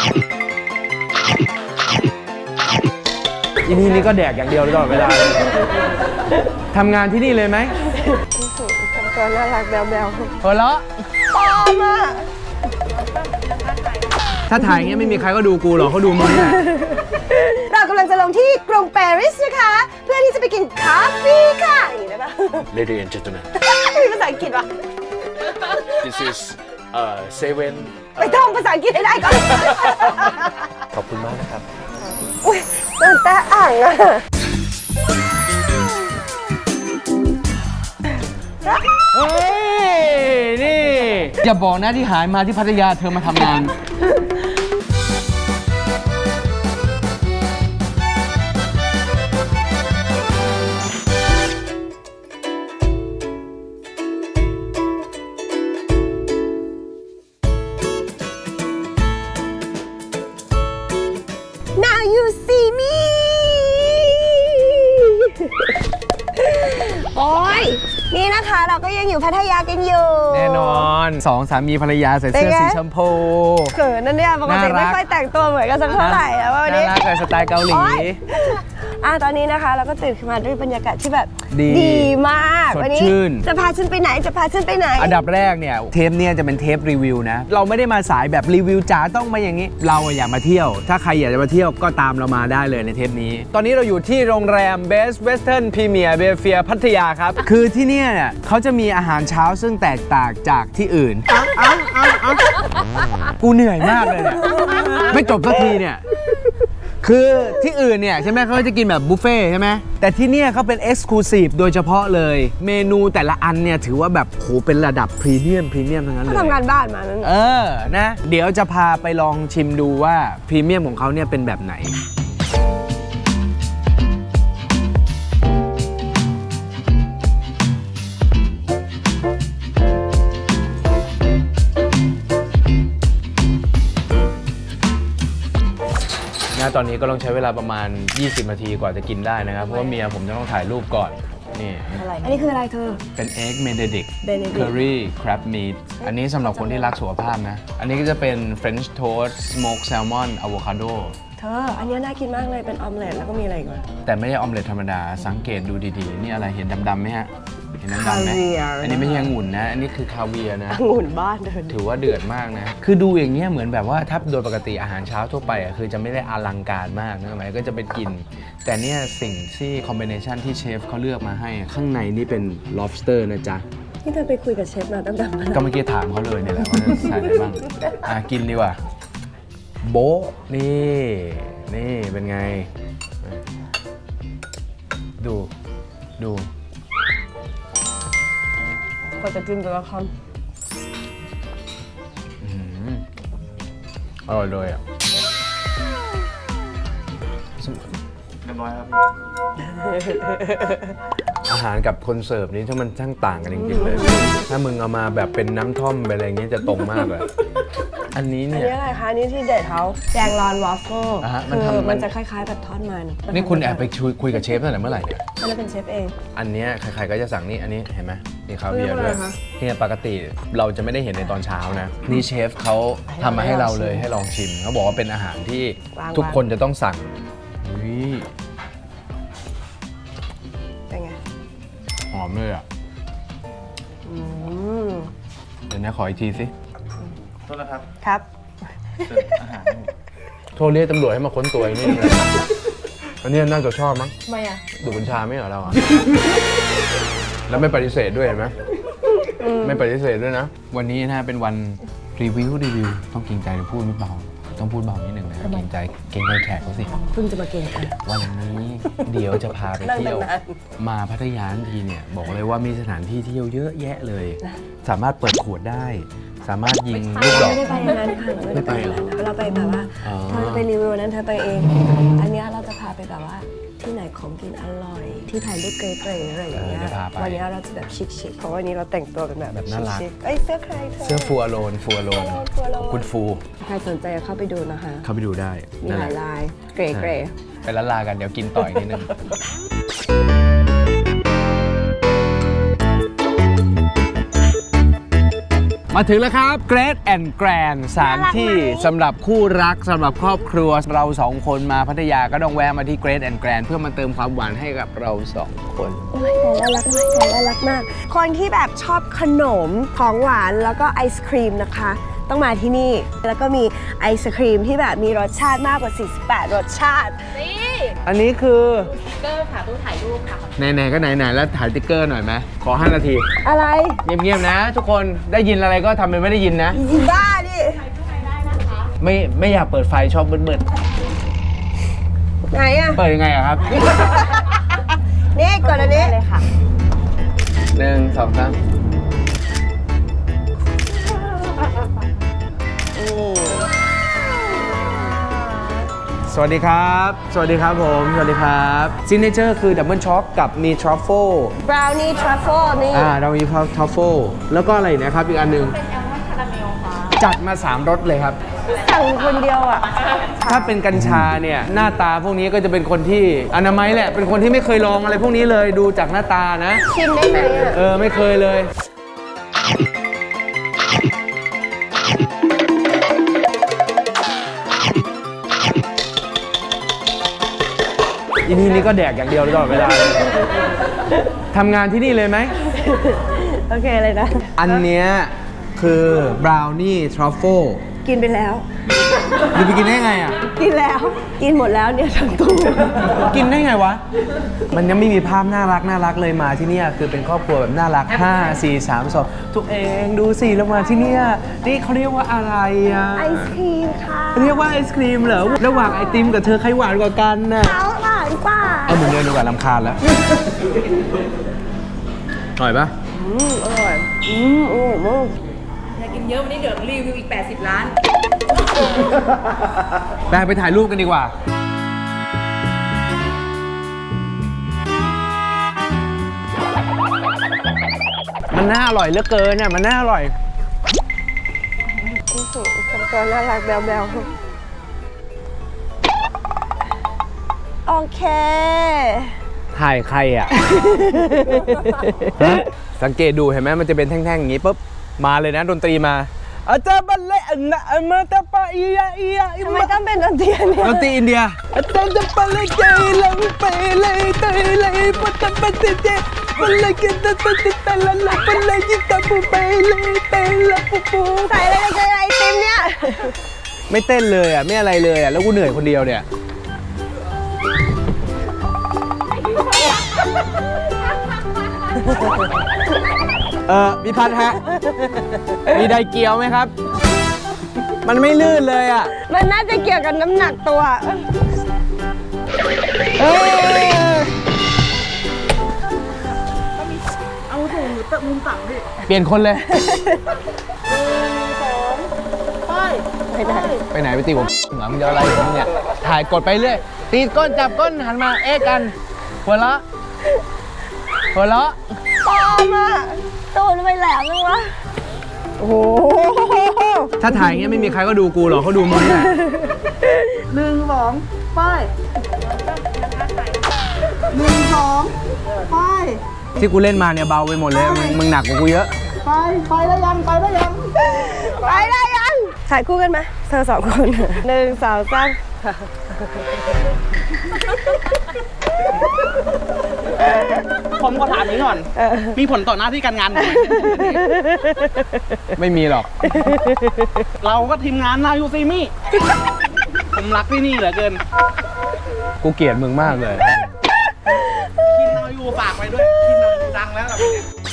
อีนี่ก็แดกอย่างเดียวตลอดเวลาทำงานที่นี่เลยไหมทำตัวน่ารักแบ๊วๆหัวเราะปลอมอ่ะถ้าถ่ายอย่างเงี้ยไม่มีใครก็ดูกูหรอกเขาดูมึงเนี่ยเรากำลังจะลงที่กรุงปารีสนะคะ เพื่อที่จะไปกินคาเฟ่ค่ะอย่างนี้ได้ปะ Ladies and gentlemen, มีภาษาอังกฤษวะ this is Seven ไปท่องภาษาอังกฤษให้ได้ก่อนขอบคุณมากนะครับอุ้ยโดนแตะอ่างอ่ะเฮ้ย นี่ อย่าบอกนะที่หายมาที่พัทยาเธอมาทำงาน Now you see me โอ้ยนี่นะคะเราก็ยังอยู่พัทยากันอยู่แน่นอนสองสามีภรรยาใส่เสื้อสีชมพูเขินนั่นเนี่ยปกติน่ารักไม่ค่อยแต่งตัวเหมือนกันสักเท่าไหร่แล้ววันน่านี้รักกับสไตล์เกาหลีโอ๊ย ตอนนี้นะคะเราก็ตื่นขึ้นมาด้วยบรรยากาศที่แบบดีมากสดวันี้ชื่นจะพาฉันไปไหนจะพาฉันไปไหนอันดับแรกเนี่ยเทปเนี่ยจะเป็นเทปรีวิวนะ เราไม่ได้มาสายแบบรีวิวจ๋าต้องมาอย่างนี้ เราอยากมาเที่ยว ถ้าใครอยากจะมาเที่ยวก็ตามเรามาได้เลยในเทปนี้ ตอนนี้เราอยู่ที่โรงแรม Best Western Premier Belvedere พัทยาครับ คือที่เนี่ยเขาจะมีอาหารเช้าซึ่งแตกต่างจากที่อื่นกูเหนื่อยมากเลยเนี่ยไม่จบสักทีเนี่ย คือที่อื่นเนี่ยใช่ไหมเขาจะกินแบบบุฟเฟ่ใช่ไหมแต่ที่เนี่ยเขาเป็นเอ็กซ์คลูซีฟโดยเฉพาะเลย เมนูแต่ละอันเนี่ยถือว่าแบบโหเป็นระดับพรีเมียมทั้งนั้นเลยทำงานบ้านมานั้นนะเดี๋ยวจะพาไปลองชิมดูว่าพรีเมียมของเขาเนี่ยเป็นแบบไหนตอนนี้ก็ต้องใช้เวลาประมาณ 20 นาทีกว่าจะกินได้นะครับ เพราะว่าเมียผมจะต้องถ่ายรูปก่อน นี่อันนี้คืออะไรเธอเป็น Egg Benedict Benedict Curry Crab Meat อันนี้สำหรับคนที่รักสุขภาพนะ อันนี้ก็จะเป็น French Toast Smoked Salmon Avocado เธอ อันนี้น่ากินมากเลยเป็นออมเล็ตแล้วก็มีอะไรอีกวะแต่ไม่ใช่ออมเล็ตธรรมดา สังเกตดูดีๆ นี่อะไรเห็นดำๆไหมฮะ เห็นดำๆไหมคาเวียร์อันนี้ไม่ใช่องุ่นนะ อันนี้คือคาเวียร์นะองุ่นบ้านเธอถือว่าเดือดมากนะ คือดูอย่างเงี้ยเหมือนแบบว่าถ้าโดยปกติอาหารเช้าทั่วไปอ่ะคือจะไม่ได้อลังการมากนะหมายก็จะเป็นกิน แต่เนี่ยสิ่งที่คอมบิเนชันที่เชฟเขาเลือกมาให้ข้างในนี่เป็น lobster นะจ๊ะนี่เธอไปคุยกับเชฟมาตั้งแต่เมื่อไหร่ก็เมื่อกี้ถามเขาเลยเนี่ยแหละว่าจะใส่อะไรบ้าง กินดีกว่า โบะนี่เป็นไง ดูก็จะกินแต่ละคอร่อยเลยอ่ะเรียบร้อยครับอาหารกับคนเสิร์ฟนี้ถ้ามันช่างต่างกันจริงๆเลย ถ้ามึงเอามาแบบเป็นน้ำท่อมไปอะไรอย่างเงี้ยจะตรงมากเลย อันนี้ำอันเนี่ยนี้อะไรคะอันนี้ที่เด็ดเขาแจงรอนวอฟเฟิลอ่าฮะมันคือทำมันจะคล้ายๆแบบทอดมันนี่คุณแอบไปคุยกับเชฟตั้งแต่เมื่อไหร่เนี่ยอันนั้นเป็นเชฟเองอันเนี้ยใครๆก็จะสั่งนี่อันนี้เห็นไหมมีคาเวียร์ด้วยเรื่องอะไรคะเนี่ยปกติเราจะไม่ได้เห็นในตอนเช้านะ นี่เชฟเขาทำมาให้เราเลยให้ลองชิมเขาบอกว่าเป็นอาหารที่ทุกคนจะต้องสั่งอุ๊ยเป็นไงหอมเลยอ่ะอืมเดี๋ยวนะขออีกทีสิโทษนะครับครับเสิร์ฟอาหารโทรเรียกตำรวจให้มาค้นตัวไอ้นี่เลยอันนี้น่าจะชอบมั้งทำไมอ่ะดูดกัญชาไม่เหรอเราอ่ะ แล้วไม่ปฏิเสธด้วยเห็นไหมไม่ปฏิเสธด้วยนะ วันนี้นะเป็นวันรีวิวต้องเกรงใจพูดไม่เบาต้องพูดเบานิดหนึ่งนะเกรงใจแขกเขาสิเพิ่งจะมาเก่งกันวันนี้เดี๋ยวจะพาไปเที่ยวนั่งนานมาพัทยาทันทีเนี่ยบอกเลยว่ามีสถานที่เที่ยวเยอะแยะเลย สามารถเปิดขวดได้ สามารถยิงลูกดอกไม่ได้ไปอย่างนั้นค่ะเราไม่ได้ไปอย่างนั้นนะเราไปแบบว่าอ๋อเธอไปรีวิวนั้นเธอไปเอง อันเนี้ยเราจะพาไปแบบว่าที่ไหนของกินอร่อย ที่ถ่ายรูปเก๋ๆอะไรอย่างเงี้ยเดี๋ยวพาไปวันนี้เราจะแบบชิคๆเพราะวันนี้เราแต่งตัวเป็นแบบแบบน่ารักชิคๆเอ้ยเสื้อใครเธอเสื้อฟูอโลนขฟูอโลนอบคุณฟูใครสนใจเข้าไปดูนะคะเข้าไปดูได้มีนั่นหแหลาละยลายเก๋ไปละลากันเดี๋ยวกินต่ออีกนิดนึงมาถึงแล้วครับ Great and Grand สถานที่สำหรับคู่รักสำหรับครอบครัวเราสองคนมาพัทยาก็ต้องแวะมาที่ Great and Grand เพื่อมาเติมความหวานให้กับเราสองคนโอ้ยแต่น่ารักมากแต่น่ารักมาก คนที่แบบชอบขนมของหวานแล้วก็ไอศครีมนะคะ ต้องมาที่นี่ แล้วก็มีไอศครีมที่แบบมีรสชาติมากกว่า 48 รสชาติอันนี้คือเกอร์ค่ะตู้ถ่ายรูปค่ะไหนๆก็ไหนๆแล้วถ่ายติ๊กเกอร์หน่อยไหมขอ 5 นาทีอะไรเงียบๆนะ ทุกคนได้ยินอะไรก็ทำเป็นไม่ได้ยินนะอีบ้าดิไม่อยากเปิดไฟชอบมืดไหนอะๆเปิดยังไงอะครับนี่กดอันนี้เลยค่ะ 1 2 3สวัสดีครับ สวัสดีครับผม สวัสดีครับซิกเนเจอร์คือดับเบิลช็อกกับมีทรัฟเฟิลบราวนี่ทรัฟเฟิลนี่เรามีทรัฟเฟิลแล้วก็อะไรนะครับอีกอันหนึ่งเป็นแอลมอนด์คาราเมลค่ะจัดมา 3 รสเลยครับสั่งคนเดียวอ่ะถ้าเป็นกัญชาเนี่ยหน้าตาพวกนี้ก็จะเป็นคนที่อนามัยแหละ เป็นคนที่ไม่เคยลองอะไรพวกนี้เลยดูจากหน้าตานะชิมได้ไหมอ่ะไม่เคยเลยอีนี่ก็แดกอย่างเดียวตลอดเวลาเลยทำงานที่นี่เลยไหมโอเคเลยนะอันเนี้ยคือบราวนี่ทรัฟเฟิลกินไปแล้วอยู่ไปกินได้ไงอ่ะกินแล้ว กินหมดแล้วเนี่ยทั้งตู้กินได้ไงวะ มันยังไม่มีภาพน่ารักเลยมาที่เนี่ยคือเป็นครอบครัวแบบน่ารัก 5 4 3 2ทุกเองดูสิเรามาที่เนี่ยนี่เขาเรียกว่าอะไรอ่ะไอศครีมค่ะเรียกว่าไอศครีมเหรอระหว่างไอติมกับเธอใครหวานกว่ากันน่ะเขาหวานกว่าเอามึงเดินดีกว่าลำคาญแล้วอร่อยปะอร่อยอร่อยมากอยากกินเยอะวันนี้เดี๋ยวรีวิวอีก 80 ล้านไปถ่ายรูปกันดีกว่ามันน่าอร่อยเหลือเกินเนี่ยมันน่าอร่อยทำตัวน่ารักแบวๆโอเคถ่ายใครอ่ะ สังเกตดูเห็นไหมมันจะเป็นแท่งๆอย่างนี้ปุ๊บมาเลยนะดนตรีมาอาจารย์บัลเล่อันนะมาตาปาอียาอียาทำไมต้องเป็นดนตรีเนี่ยดนตรีอินเดียอาจารย์จะบัลเล่ใจลังไปเลยเตยเลยปัตตบัตเจบัลเล่กินตะตะตะละละบัลเล่ยิตาปูไปเลยเตยละปูปูใส่อะไรในไอติมเนี่ยไม่เต้นเลยอ่ะไม่อะไรเลยอ่ะแล้วกูเหนื่อยคนเดียวเนี่ยพี่พัดฮะ มีไดเกียวไหมครับ มันไม่ลื่นเลยอ่ะมันน่าจะเกี่ยวกับน้ำหนักตัวเอาถุงหนูเตะมุมต่ำดิเปลี่ยนคนเลยไปไปไหนไปตีผมเหมือนมึงจะอะไรผมเนี่ย ถ่ายกดไปเรื่อยตีก้นจับก้นหันมาเอ๊ะกัน หัวเราะหัวเราะปลอมอ่ะตูดไปแหลมเลยวะ โอ้โหถ้าถ่ายอย่างเงี้ยไม่มีใครก็ดูกูหรอกเขาดูมึงแหละ 1 2 ไป 1 2 ไปที่กูเล่นมาเนี่ยเบาไปหมดเลย มึงหนักกว่ากูเยอะไปแล้วยัง ไปแล้วยังไปได้ยัง ถ่ายคู่กันไหมเธอ2 คน1 2 3 ผมก็ถามนี้ก่อน มีผลต่อหน้าที่การงานผมไหมไม่มีหรอกเราก็ทีมงานนายูซีมี่ ผมรักที่นี่เหลือเกินกูเกลียดมึงมากเลยทีมนายูฝากไปด้วยทีมนายูดังแล้วล่ะพี่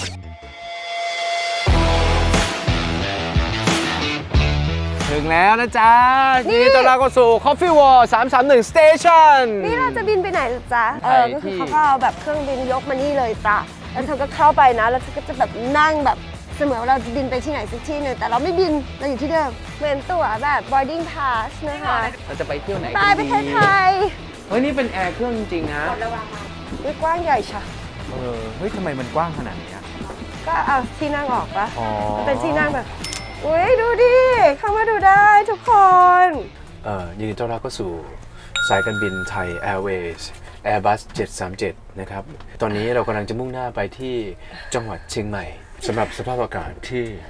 ถึงแล้วนะจ๊ะยินดีต้อนรับเข้าสู่ Coffee War 331 Station นี่เราจะบินไปไหนล่ะจ๊ะไปก็คือที่เขาก็เอาแบบเครื่องบินยกมานี่เลยจ้ะ แล้วเธอก็เข้าไปนะ แล้วเธอก็จะแบบนั่งแบบเสมือนว่าเราจะบินไปที่ไหนสักที่หนึ่งแต่เราไม่บิน เราอยู่ที่เดิม เหมือนตั๋วแบบ boarding pass นะคะเราจะไปเที่ยวไหนไปกันประดีเทศไทยเฮ้ย นี่เป็นแอร์เครื่องจริงๆนะวิกว้างใหญ่ชะเฮ้ยทำไมมันกว้างขนาดนี้อะก็เอาที่นั่งออกปะอ๋อมันเป็นที่นั่งแบบ อุ้ยดูดิ เข้ามาดูได้ทุกคนยินดีต้อนรับเข้าสู่สายการบินไทย Airways Airbus 737 นะครับ ตอนนี้เรากำลังจะมุ่งหน้าไปที่จังหวัดเชียงใหม่สำหรับสภาพอากาศที่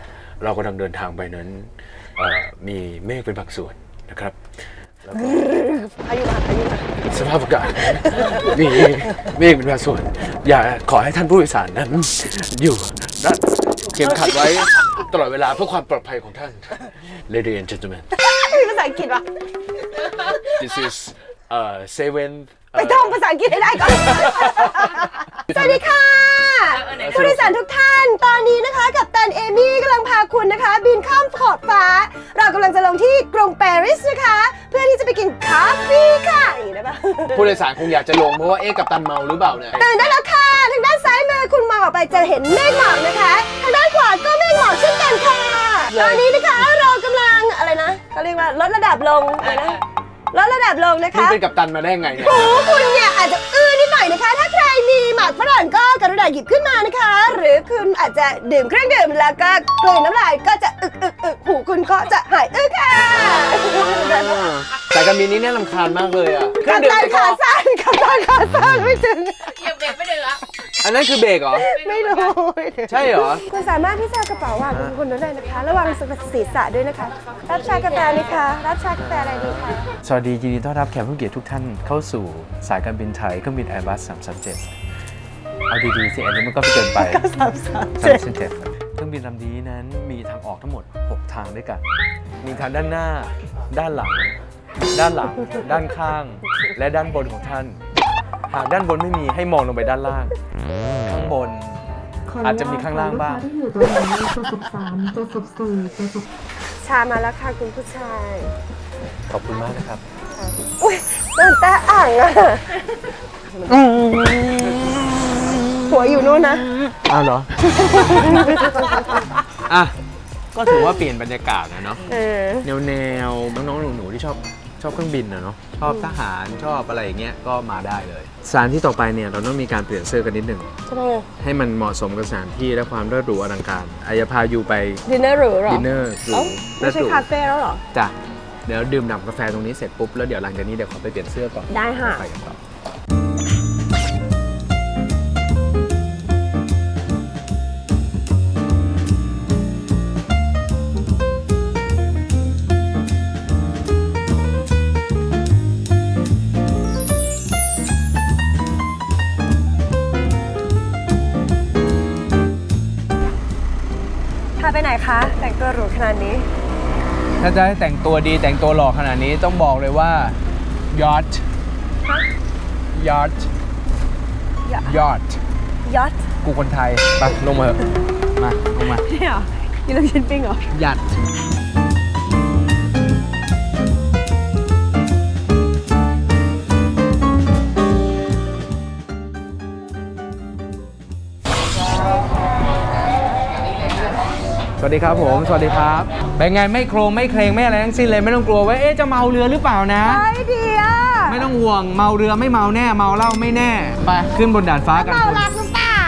เรากำลังเดินทางไปนั้นมีเมฆเป็นบางส่วนนะครับแล้วก็พายุมาพายุมาสภาพอากาศมีเมฆเป็นบางส่วน อย่าขอให้ท่านผู้โดยสารนั้น อยู่รัดเข็มขัดไว้ตลอดเวลาเพื่อความปลอดภัยของท่าน Ladies and gentlemen มีภาษาอังกฤษวะ this is seventh ไปท่องภาษาอังกฤษให้ได้ก่อน สวัสดีค่ะ ผู้โดยสารทุกท่าน ตอนนี้นะคะกัปตันเอมี่กำลังพาคุณนะคะ บินข้ามขอบฟ้า เรากำลังจะลงที่กรุงปารีสนะคะ เพื่อที่จะไปกินคาเฟ่ค่ะอย่างนี้ได้ปะผู้โดยสารคงอยากจะลงเพราะว่ากัปตันเมาหรือเปล่าเนี่ยตื่นได้แล้วค่ะ ทางด้านซ้ายมือคุณมองออกไปจะเห็นเมฆหมอกนะคะ ทางด้านขวาก็เมฆหมอกเช่นกันค่ะ ตอนนี้นะคะเรากำลังอะไรนะเขาเรียกว่าลดระดับลงอะไรนะลดระดับลงนะคะนี่เป็นกัปตันมาได้ไงเนี่ยหูคุณเนี่ยอาจจะนิดหน่อยนะคะ ถ้าใครมีหมากฝรั่งก็กรุณาหยิบขึ้นมานะคะ หรือคุณอาจจะดื่มเครื่องดื่มแล้วก็กลืนน้ำลายก็จะอึกหูคุณก็จะหายค่ะสายการบินนี้น่ารำคาญมากเลยอ่ะกับตันขาสั้นกับตันขาสั้นไม่ถึงเหยียบเบรกไม่ถึงอ่ะอันนั้นคือเบรกเหรอไม่รู้ใช่เหรอคุณสามารถที่จะเอากระเป๋าวางของคุณได้นะคะ ระวังศีรษะด้วยนะคะ รับชากาแฟไหมคะ รับชากาแฟอะไรดีคะสวัสดียินดีต้อนรับแขกผู้เกียรติทุกท่านเข้าสู่สายการบินไทยเครื่องบิน Airbus 337 เอาดีๆสิอันนี้มันก็เกินไป 337 เครื่องบินลำนี้นั้นมีทางออกทั้งหมด 6 ทางด้วยกัน มีทางด้านหน้า ด้านหลัง ด้านหลัง ด้านข้าง และด้านบนของท่าน หากด้านบนไม่มีให้มองลงไปด้านล่าง ข้างบน อาจจะมีข้างล่างบ้างที่อยู่ตรงนี้ตัว13ตัว14ตัว10 ชามาแล้วค่ะคุณผู้ชายขอบคุณมากนะครับอุ้ยโดนแตะอ่างอะหัวอยู่นู่นนะอ้าวเหรอ อ่ะ ก็ถือว่าเปลี่ยนบรรยากาศนะเนาะ แนวน้องๆหนูๆที่ชอบเครื่องบินนะเนาะ ชอบทหารชอบอะไรอย่างเงี้ยก็มาได้เลย สถานที่ต่อไปเนี่ยเราต้องมีการเปลี่ยนเสื้อกันนิดหนึ่งทำไมให้มันเหมาะสมกับสถานที่และความเลิศหรูอลังการอายพาอยู่ไปดินเนอร์หรูเหรอดินเนอร์หรูเอ้าและไม่ใช่หรูคาเฟ่แล้วเหรอจ้ะเดี๋ยวดื่มด่ำกาแฟตรงนี้เสร็จปุ๊บแล้วเดี๋ยวหลังจากนี้เดี๋ยวขอไปเปลี่ยนเสื้อก่อนได้ค่ะไปกันต่อพาไปไหนคะ แต่งตัวหรูขนาดนี้ถ้าจะให้แต่งตัวดีแต่งตัวหล่อขนาดนี้ต้องบอกเลยว่ายอทยอทยอทยอทกูคนไทยไปลงมาเถอะมาลงมานี่เหรอกินลูกชิ้นปิ้งเหรอหยัดสวัสดีครับผม สวัสดีครับ เป็นไงไม่โครงไม่เครงไม่อะไรทั้งสิ้นเลยไม่ต้องกลัวว่าเอ๊ะจะเมาเรือหรือเปล่านะไอเดียไม่ต้องห่วงเมาเรือไม่เมาแน่เมาเหล้าไม่แน่ไปขึ้นบนดาดฟ้ากันเมารักหรือเปล่า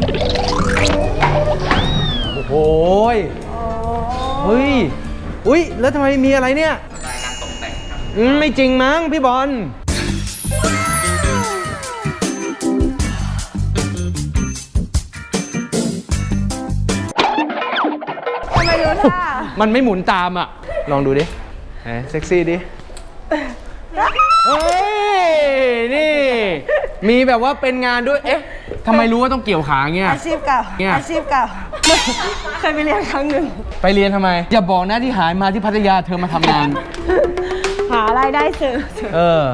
โอ้โหยเฮ้ยอุ้ยแล้วทำไมมีอะไรเนี่ยการตกแต่งครับไม่จริงมั้งพี่บอลทำไมรู้ท่ามันไม่หมุนตามอ่ะ ลองดูดิเซ็กซี่ดิ เฮ้ย นี่ มีแบบว่าเป็นงานด้วย เอ๊ะทำไมรู้ว่าต้องเกี่ยวขาเงี้ยอาชีพเก่าเนี่ยอาชีพเก่า เคยไปเรียนครั้งหนึ่งไปเรียนทำไม อย่าบอกนะที่หายมาที่พัทยาเธอมาทำงานหารายได้เสริมเออ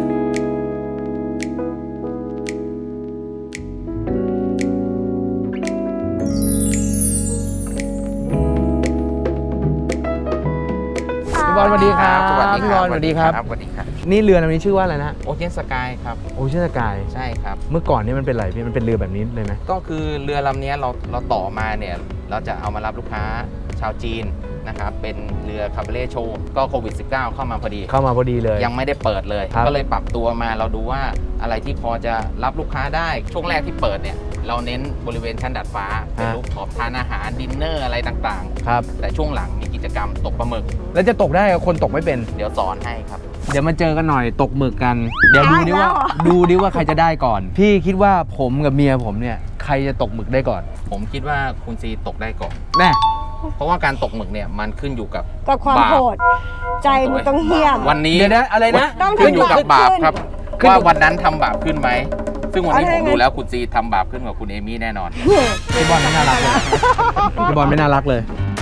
พี่บอลสวัสดีครับสวัสดีพี่ครับอลสวัสดีครับสวัสดีครับนี่เรือลำนี้ชื่อว่าอะไรนะโอเชียนสกายครับโอเชียนสกายใช่ครับเมื่อก่อนนี่มันเป็นอะไรพี่ มันเป็นเรือแบบนี้เลยไหมก็คือเรือลำนี้เราต่อมาเนี่ย เราจะเอามารับลูกค้าชาวจีนนะครับ เป็นเรือคาเบเล่โชว์ก็โควิด -19 เข้ามาพอดีเข้ามาพอดีเลยยังไม่ได้เปิดเลยครับก็เลยปรับตัวมาเราดูว่าอะไรที่พอจะรับลูกค้าได้ ช่วงแรกที่เปิดเนี่ย เราเน้นบริเวณชั้นดาดฟ้า เป็นรูปขอบทานอาหารดินเนอร์อะไรต่างครับๆ แต่ช่วงหลังมีกิจกรรมตกปลาหมึกแล้วจะตกได้กับคนตกไม่เป็นเดี๋ยวสอนให้ครับเดี๋ยวมาเจอกันหน่อยตกหมึกกัน เดี๋ยวดูดิว่าได้แล้วเหรอดูดิว่าใครจะได้ก่อน พี่คิดว่าผมกับเมียผมเนี่ยใครจะตกหมึกได้ก่อนผมคิดว่าคุณซีตกได้ก่อนแน่เพราะว่าการตกหมึกเนี่ยมันขึ้นอยู่กับกับความบาปโหด ใจมันต้องเหี้ยมวันนี้เดี๋ยวนะอะไรนะต้องขึ้นอยู่กับบาปครับขึ้นอยู่ว่าวันนั้นทำบาปขึ้นไหม ซึ่งวันนี้เอาผได้มไงดูแล้วคุณซีทำบาปขึ้นกว่าคุณเอมี่แน่นอนพี่บอลไม่น่ารักเลยพี่บอลไม่น่ารักเลย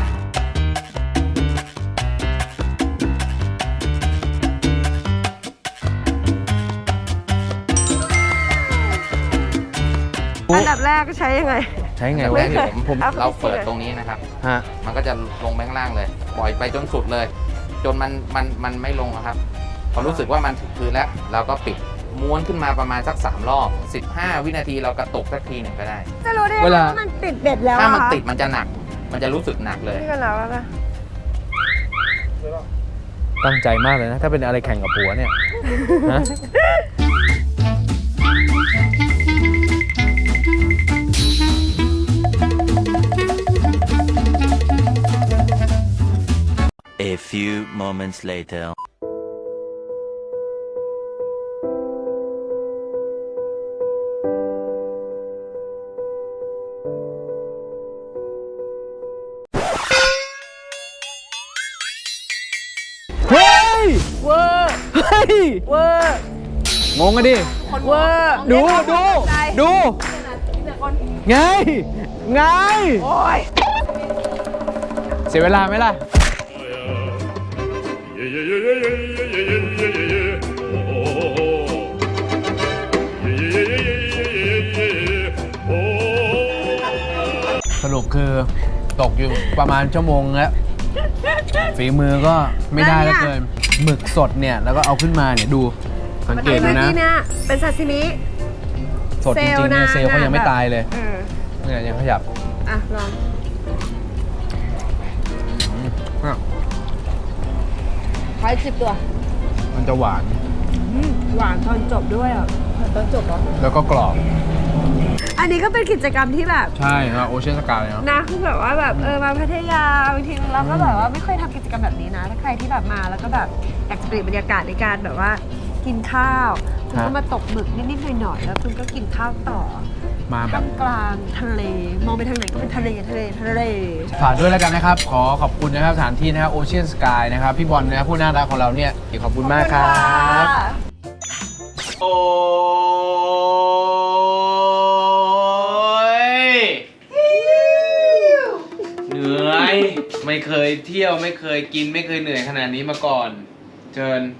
อันดับแรกใช้ยังไงใช้ไงแต่วะแรกเนี่ยผมเอาเราไปเปิดสิตรงนี้นะครับฮะมันก็จะลงไปข้างล่างเลย ปล่อยไปจนสุดเลย จนมันไม่ลงอะครับ พอรู้สึกว่ามันถึงพื้นแล้ว เราก็ปิดม้วนขึ้นมาประมาณสัก3รอบ15 วินาทีเรากระตุกสักทีหนึ่งก็ได้จะรู้ได้ไงเวลาว่ามันติดเบ็ดแล้วถ้ามันอะคะติดมันจะหนัก มันจะรู้สึกหนักเลยนี่กันแล้วนะตั้งใจมากเลยนะ ถ้าเป็นอะไรแข่งกับผัวเนี่ยฮะ A few moments later. เฮ้ยเวอร์เฮ้ยเวอร์งงกันดิเวอร์ดูไงโอ้ยเสียเวลาไหมล่ะ สรุปคือตกอยู่ประมาณชั่วโมงแล้วฝีมือก็ไม่ได้แล้วเกินหมึกสดเนี่ย แล้วก็เอาขึ้นมาเนี่ยดูสังเกตดูเมื่อนะกี้เนี่ยเป็นซาซิมิสดจริงๆเนี่ยเซลล์เขายังไม่ตายเลยเออเนี่ยยังขยับอ่ะลองขออีก10 ตัวมันจะหวานหวานตอนจบด้วยอ่ะตอนจบเหรอแล้วก็กรอบอันนี้ก็เป็นกิจกรรมที่แบบใช่ครับโอเชียนสกายเนาะนะคือแบบว่าแบบมาพัทยาบางทีเราก็แบบว่าไม่เคยทำกิจกรรมแบบนี้นะถ้าใครที่แบบมาแล้วก็แบบอยากจะเปลี่ยนบรรยากาศในการแบบว่ากินข้าวคุณก็มาตกหมึกนิดๆหน่อยๆแล้วคุณก็กินข้าวต่อมาแบบท่ามกลางทะเลมองไปทางไหนก็เป็นทะเลฝากด้วยแล้วกันนะครับ ขอบคุณนะครับสถานที่นะครับโอเชียนสกายนะครับ พี่บอลนะครับผู้น่ารักของเราเนี่ยขอบคุณมากครับ โอ้ยเหนื่อย ไม่เคยเที่ยวไม่เคยกินไม่เคยเหนื่อยขนาดนี้มาก่อน เชิญ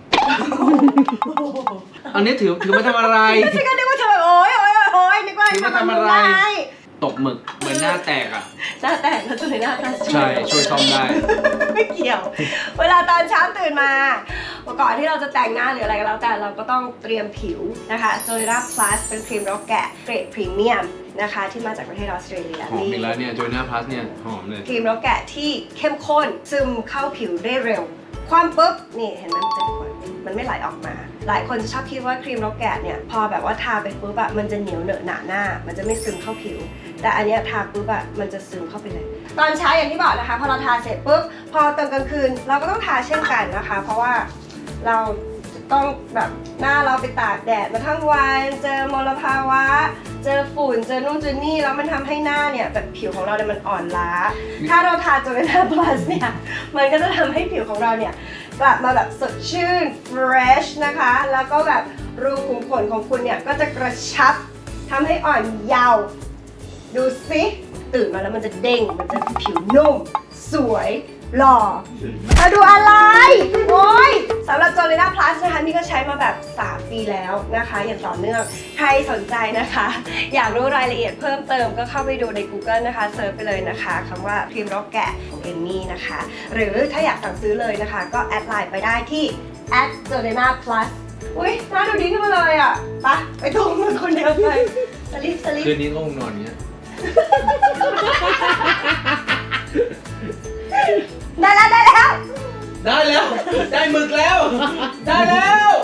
อันนี้ถือมาทำอะไรฉันก็นึกว่าเธอแบบโอ๊ยนึกว่าถือมาทำอะไร ตกหมึกเหมือนหน้าแตกอ่ะหน้าแตกแล้วตัวหน้าตาใช่ช่วยซ่อมได้ไม่เกี่ยว เวลาตอนเช้าตื่นมาก่อนที่เราจะแต่งหน้าหรืออะไรก็แล้วแต่เราก็ต้องเตรียมผิวนะคะโจลิรา plus เป็นครีมรกแกะเกรดพรีเมียมนะคะที่มาจากประเทศออสเตรเลียหอมอีกแล้วเนี่ยโจนาพลัสเนี่ยหอมเลยครีมรกแกะที่เข้มข้นซึมเข้าผิวได้เร็ว ความปุ๊บนี่เห็นไหมมันจะขวดมันไม่ไหลออกมา หลายคนจะชอบคิดว่าครีมรกแกะเนี่ยพอแบบว่าทาไปปุ๊บอะมันจะเหนียวเหนอะหนาหน้า มันจะไม่ซึมเข้าผิว แต่อันเนี้ยทาปุ๊บอะมันจะซึมเข้าไปเลย ตอนเช้าอย่างที่บอกนะคะพอเราทาเสร็จปุ๊บพอตอนกลางคืนเราก็ต้องทาเช่นกันนะคะ เพราะว่าเราจะต้องแบบหน้าเราไปตากแดดมาทั้งวันเจอมลภาวะ เจอฝุ่นเจอนู่นเจอนี่แล้วมันทำให้หน้าเนี่ยแบบผิวของเราเนี่ยมันอ่อนล้า ถ้าเราทาโจลิน่า plus เนี่ยมันก็จะทำให้ผิวของเราเนี่ยกลับมาแบบสดชื่น fresh นะคะ แล้วก็แบบรูขุมขนของคุณเนี่ยก็จะกระชับทำให้อ่อนเยาว์ดูสิตื่นมาแล้วมันจะเด้งมันจะผิวนุ่ม สวยหล่อมาดูอะไรโอ้ยสำหรับโจลิน่า plus นะคะนี่ก็ใช้มาแบบ 3 ปีแล้วนะคะอย่างต่อเนื่องใครสนใจนะคะ อยากรู้รายละเอียดเพิ่มเติมก็เข้าไปดูใน Google นะคะเซิร์ชไปเลยนะคะคำว่าครีมรกแกะของเอมมี่นะคะ หรือถ้าอยากสั่งซื้อเลยนะคะ ก็แอดไลน์ไปได้ที่ @jolina plus อุ้ยน่าดูดีขึ้นมาเลยอ่ะไปตรงมือคนเดียวไปสลิปคืนนี้ก็คงนอนอย่างเงี้ยได้แล้วได้แล้ว ได้หมึกแล้ว ได้แล้ว